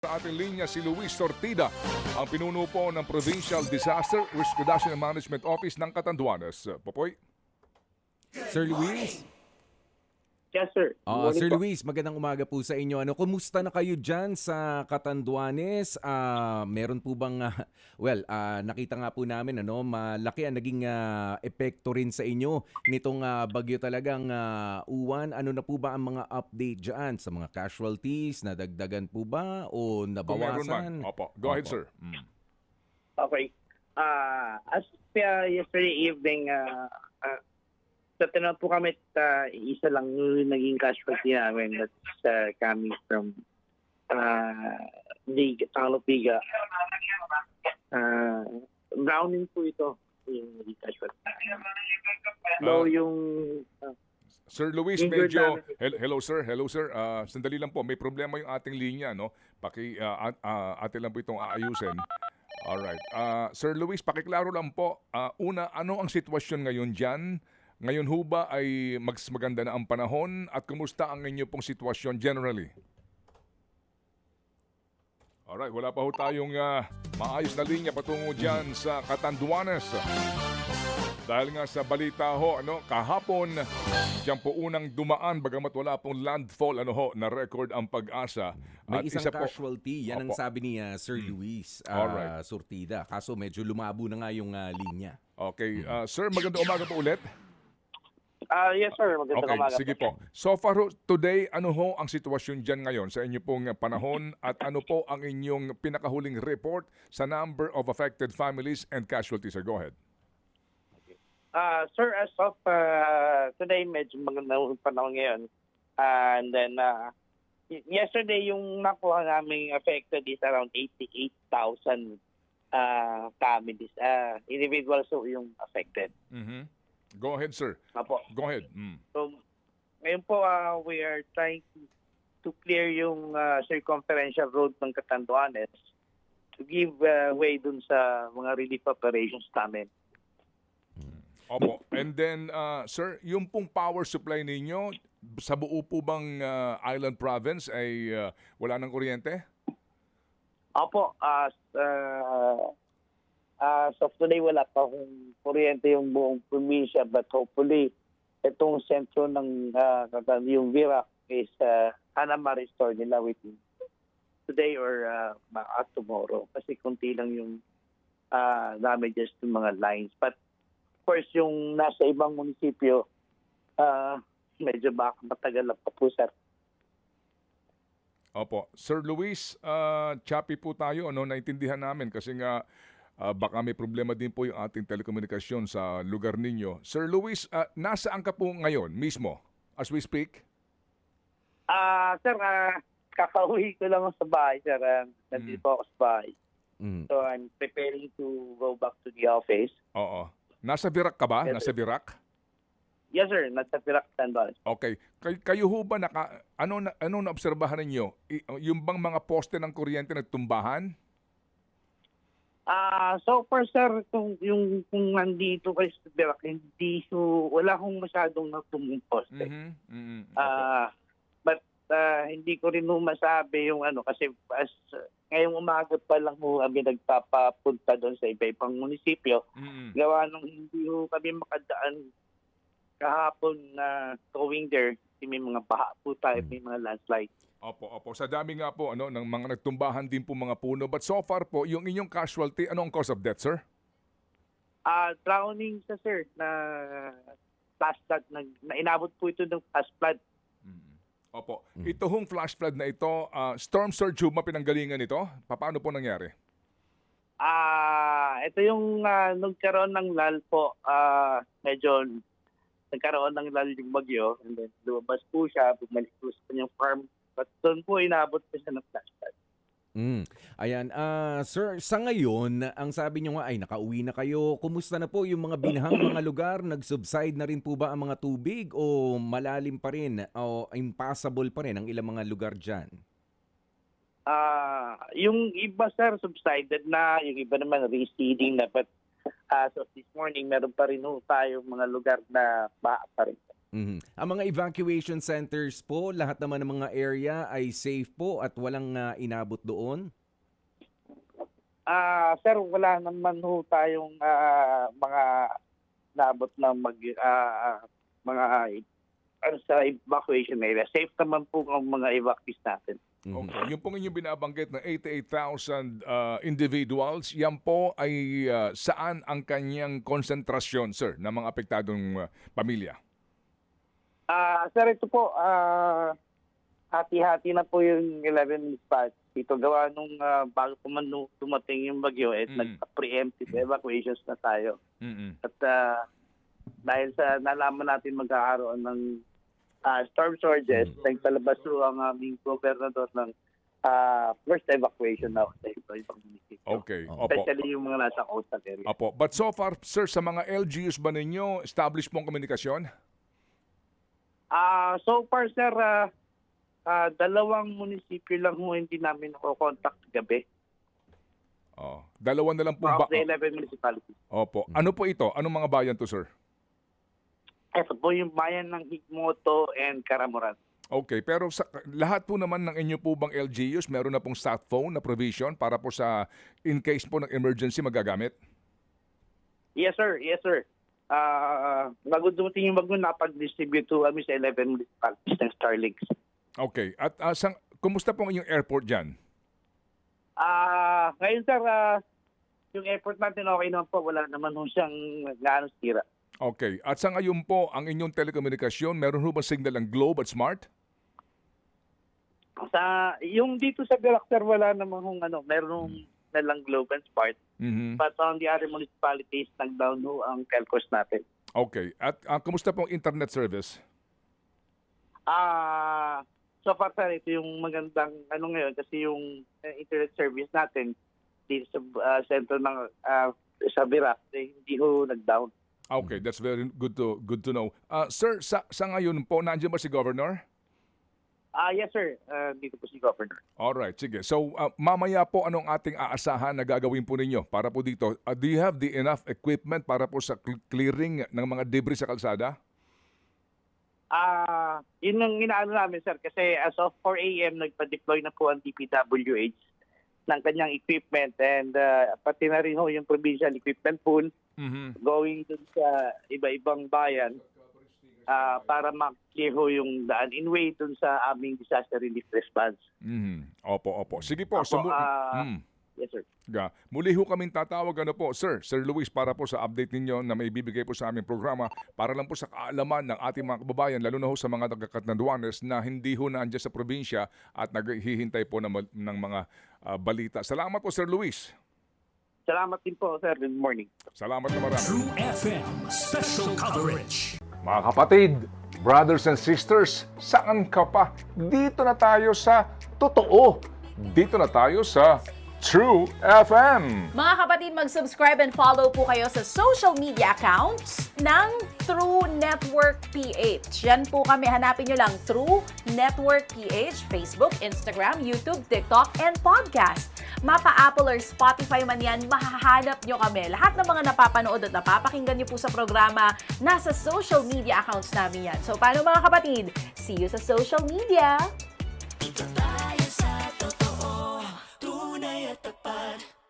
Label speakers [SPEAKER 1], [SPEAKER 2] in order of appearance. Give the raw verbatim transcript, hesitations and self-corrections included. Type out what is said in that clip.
[SPEAKER 1] Sa ating linya si Luis Sortida, ang pinuno po ng Provincial Disaster Risk Reduction and Management Office ng Catanduanes. Popoy?
[SPEAKER 2] Sir Luis?
[SPEAKER 3] Yes, sir. Good
[SPEAKER 2] Ah,
[SPEAKER 3] morning
[SPEAKER 2] Sir
[SPEAKER 3] po.
[SPEAKER 2] Luis, magandang umaga po sa inyo. Ano, kumusta na kayo dyan sa Catanduanes? Ah, meron po bang, ah, well, ah, nakita nga po namin, ano, malaki ang naging ah, epekto rin sa inyo nitong ah, bagyo talagang ah, uwan. Ano na po ba ang mga update dyan sa mga casualties? Nadagdagan po ba o
[SPEAKER 1] Kung meron man.
[SPEAKER 2] nabawasan?
[SPEAKER 1] Opo. Go ahead,
[SPEAKER 2] Opo.
[SPEAKER 1] sir. Mm.
[SPEAKER 3] Okay. Uh, as uh, yesterday evening, uh, uh, sa tinawag po kami, uh, isa lang yung naging casualty namin. That's uh, coming from uh, Liga, Talo Liga. Uh, Browning po ito, yung naging casualty.
[SPEAKER 1] Ah.
[SPEAKER 3] Though yung... Uh,
[SPEAKER 1] Sir Luis,
[SPEAKER 3] Injured
[SPEAKER 1] medyo...
[SPEAKER 3] namin.
[SPEAKER 1] Hel- Hello, sir. Hello, sir. Ah, sandali lang po. May problema yung ating linya, no? Paki, ah, at- ah, atin lang po itong aayusin. Alright. Ah, Sir Luis, pakiklaro lang po. Ah, una, ano ang sitwasyon ngayon dyan? Ngayon ho ba ay mas maganda na ang panahon? At kumusta ang inyo pong sitwasyon generally? Alright, wala pa ho tayong ah, maayos na linya patungo dyan sa Catanduanes. Dahil nga sa balita ho, ano, kahapon, diyan po unang dumaan, bagamat wala pong landfall, ano ho, na record ang Pag-asa.
[SPEAKER 2] May
[SPEAKER 1] At
[SPEAKER 2] isang
[SPEAKER 1] isa po-
[SPEAKER 2] casualty, yan ang
[SPEAKER 1] Opo.
[SPEAKER 2] sabi ni ah, Sir Luis ah,
[SPEAKER 1] Alright.
[SPEAKER 2] Sortida. Kaso medyo lumabo na nga yung ah, linya.
[SPEAKER 1] Okay, ah, sir, magandang umaga po ulit.
[SPEAKER 3] uh, yes, sir. Magandang
[SPEAKER 1] Okay,
[SPEAKER 3] umaga.
[SPEAKER 1] sige po. So far ho, today, ano ho ang sitwasyon dyan ngayon sa inyo pong panahon at ano po ang inyong pinakahuling report sa number of affected families and casualties? Sir, go ahead.
[SPEAKER 3] Uh, sir, as of uh, today, medyo magandang panahon ngayon. Uh, and then, uh, y- yesterday, yung nakuha namin affected is around eighty-eight thousand uh, families. Uh, individuals so yung affected.
[SPEAKER 1] Mhm. Go ahead, sir.
[SPEAKER 3] Apo.
[SPEAKER 1] Go ahead. Mm.
[SPEAKER 3] So, ngayon po, uh, we are trying to, to clear yung uh, circumferential road ng Catanduanes to give uh, way dun sa mga relief operations namin.
[SPEAKER 1] Opo. And then, uh, sir, yung pong power supply ninyo, sa buo po bang uh, island province ay uh, wala ng kuryente?
[SPEAKER 3] Opo, as uh, as of today, wala pa akong kuryente yung buong probinsya, but hopefully, itong sentro ng uh, yung Virac is uh, sana ma-restore nila within today or uh, ma- tomorrow. Kasi kunti lang yung uh, damages ng mga lines. But of course, yung nasa ibang munisipyo, uh, medyo baka matagal lang pa po, sir.
[SPEAKER 1] Opo. Sir Luis, uh, choppy po tayo, ano, naintindihan namin kasi nga uh, baka may problema din po yung ating telekomunikasyon sa lugar ninyo. Sir Luis, uh, nasaan ka po ngayon mismo as we speak?
[SPEAKER 3] Ah, sir, ah, kakauwi ko lang sa bahay, sir. Uh, nandito po ako sa bahay.
[SPEAKER 2] Mm.
[SPEAKER 3] So I'm preparing to go back to the office.
[SPEAKER 1] Oo. Nasa Virac ka ba?
[SPEAKER 3] Yes,
[SPEAKER 1] Nasa
[SPEAKER 3] sir.
[SPEAKER 1] Virac?
[SPEAKER 3] Yes, sir. Nasa Pirac, Tanbal.
[SPEAKER 1] Okay. Kay, kayo ho ba naka ano na ano na obserbahan ninyo? I- yung bang mga poste ng kuryente nagtumbahan?
[SPEAKER 3] Ah, so far, sir, kung yung kung nandito kayo sa Pirac, hindi so wala akong masyadong natumong poste.
[SPEAKER 1] Mhm. Mhm. Opo.
[SPEAKER 3] Ah, but ah, hindi ko rin ho masabi yung ano kasi as ngayong umaga pa lang ho kami nagpapapunta doon sa iba-ibang munisipyo.
[SPEAKER 1] Mhm.
[SPEAKER 3] Gawa nung hindi ho kami makadaan kahapon na going there, kasi may mga baha po tayo, may mga landslide.
[SPEAKER 1] Opo, opo. Sa dami nga po ano ng mga nagtumbahan din po mga puno. But so far po, yung inyong casualty, ano ang cause of death, sir?
[SPEAKER 3] Ah, drowning sa sir na flash flood na, na inabot po ito ng flash flood.
[SPEAKER 1] Mhm. Opo. Ito hong flash flood na ito, ah, storm surge ho ba pinanggalingan nito? Paano po nangyari?
[SPEAKER 3] Ah, ito yung ah, nagkaroon ng lal po, ah, medyo nagkaroon ng lal yung bagyo and then lumabas po siya, bumalik po sa kanyang farm. But doon po inabot po siya ng flash flood.
[SPEAKER 2] Mm. Ayan, ah sir, sa ngayon, ang sabi nyo nga ay nakauwi na kayo. Kumusta na po yung mga binahang mga lugar? Nag-subside na rin po ba ang mga tubig o malalim pa rin o impassable pa rin ang ilang mga lugar dyan?
[SPEAKER 3] Ah, yung iba sir subsided na, yung iba naman receding na, but as of this morning meron pa rin ho tayo mga lugar na baha pa rin.
[SPEAKER 2] Mhm. Ang mga evacuation centers po, lahat naman ng mga area ay safe po at walang ah, inabot doon?
[SPEAKER 3] Ah, sir, wala naman ho tayong ah, mga naabot na mag ah, mga ano, sa evacuation area. Safe naman po ang mga evacuees natin.
[SPEAKER 2] Mhm.
[SPEAKER 1] Okay. Yung pong inyong binabanggit na eighty-eight thousand uh, individuals, yan po ay uh, saan ang kanyang konsentrasyon, sir, ng mga apektadong uh, pamilya?
[SPEAKER 3] Ah, sir, ito po, ah, hati-hati na po yung eleven municipalities. Ito gawa nung ah, bago po man nu- dumating yung bagyo, at
[SPEAKER 1] Mm.
[SPEAKER 3] nagpa-preemptive evacuations na tayo.
[SPEAKER 1] Mm-mm.
[SPEAKER 3] At ah, dahil sa nalaman natin magkakaroon ng ah, storm surges, nagpalabas po ang aming gobernador ng ah, first evacuation na sa ito, ibang munisipyo.
[SPEAKER 1] Okay.
[SPEAKER 2] Oh.
[SPEAKER 1] Opo.
[SPEAKER 3] Especially yung mga nasa coastal area.
[SPEAKER 1] Opo. But so far, sir, sa mga L G Us ba ninyo, established pong komunikasyon?
[SPEAKER 3] Ah, so far, sir, ah, ah, dalawang munisipyo lang ho hindi namin nakokontakt gabi.
[SPEAKER 1] Oh. Dalawa na lang po ba?
[SPEAKER 3] Of the eleven municipalities.
[SPEAKER 1] Opo. Ano po ito? Anong mga bayan to, sir?
[SPEAKER 3] Ito po yung bayan ng Higmoto and Caramoran.
[SPEAKER 1] Okay, pero sa, lahat po naman ng inyo po bang L G Us, meron na pong sat phone na provision para po sa in case po ng emergency magagamit?
[SPEAKER 3] Yes, sir. Yes, sir. Ah, bago dumating yung bagyo, napag-distribute to kami sa eleven municipalities ng Starlinks.
[SPEAKER 1] Okay. At uh, sang, kumusta po ang inyong airport dyan?
[SPEAKER 3] Ah, ngayon, sir, ah, yung airport natin okay naman po. Wala naman ho siyang gaano sira.
[SPEAKER 1] Okay. At sa ngayon po, ang inyong telekomunikasyon, meron ho ba signal ang Globe at Smart?
[SPEAKER 3] Sa, yung dito sa Birac, sir, wala naman hong ano, meron na lang Globe and Smart.
[SPEAKER 1] Mhm.
[SPEAKER 3] But on the other municipalities, nag-down ho ang telcos natin.
[SPEAKER 1] Okay. At uh, kumusta po ang internet service?
[SPEAKER 3] Ah, so far, sir, ito yung magandang ano ngayon kasi yung uh, internet service natin dito sa uh, sentro ng uh, sa Birac, eh, hindi ho nag-down.
[SPEAKER 1] Okay, that's very good to good to know. Uh, sir, sa, sa ngayon po, nandiyan ba si Governor?
[SPEAKER 3] Ah, yes, sir. Uh, dito po si Governor.
[SPEAKER 1] Alright, sige. So, uh, mamaya po anong ating aasahan na gagawin po ninyo para po dito? Uh, do you have the enough equipment para po sa cl- clearing ng mga debris sa kalsada?
[SPEAKER 3] Ah, yun ang inaano namin, sir, kasi as of four a.m. nagpa-deploy na po ang D P W H ng kanyang equipment and uh, pati na rin ho yung provincial equipment pool
[SPEAKER 1] Mhm.
[SPEAKER 3] going dun sa iba-ibang bayan ah, para ma-clear ho yung daan in way dun sa aming disaster relief response.
[SPEAKER 1] Mhm. Opo, opo. Sige po.
[SPEAKER 3] Opo,
[SPEAKER 1] sumu-
[SPEAKER 3] ah,
[SPEAKER 1] Mm.
[SPEAKER 3] Yes, sir.
[SPEAKER 1] Ga. Muli ho kaming tatawag ano po, Sir, Sir Luis, para po sa update ninyo na may bibigay po sa aming programa para lang po sa kaalaman ng ating mga kababayan, lalo na ho sa mga taga-Catanduanes na hindi ho naandyan sa probinsya at naghihintay po ng, ng mga ah, balita. Salamat po, Sir Luis.
[SPEAKER 3] Salamat din po, sir. Good morning.
[SPEAKER 1] Salamat na marami.
[SPEAKER 4] True F M special coverage.
[SPEAKER 1] Mga kapatid, brothers and sisters, saan ka pa? Dito na tayo sa totoo. Dito na tayo sa True F M.
[SPEAKER 5] Mga kapatid, mag-subscribe and follow po kayo sa social media accounts ng True Network P H. Yan po kami. Hanapin nyo lang True Network P H, Facebook, Instagram, YouTube, TikTok, and podcast. Mapa Apple or Spotify man yan, mahahanap nyo kami. Lahat ng mga napapanood at napapakinggan nyo po sa programa, nasa social media accounts namin yan. So, paano mga kapatid? See you sa social media!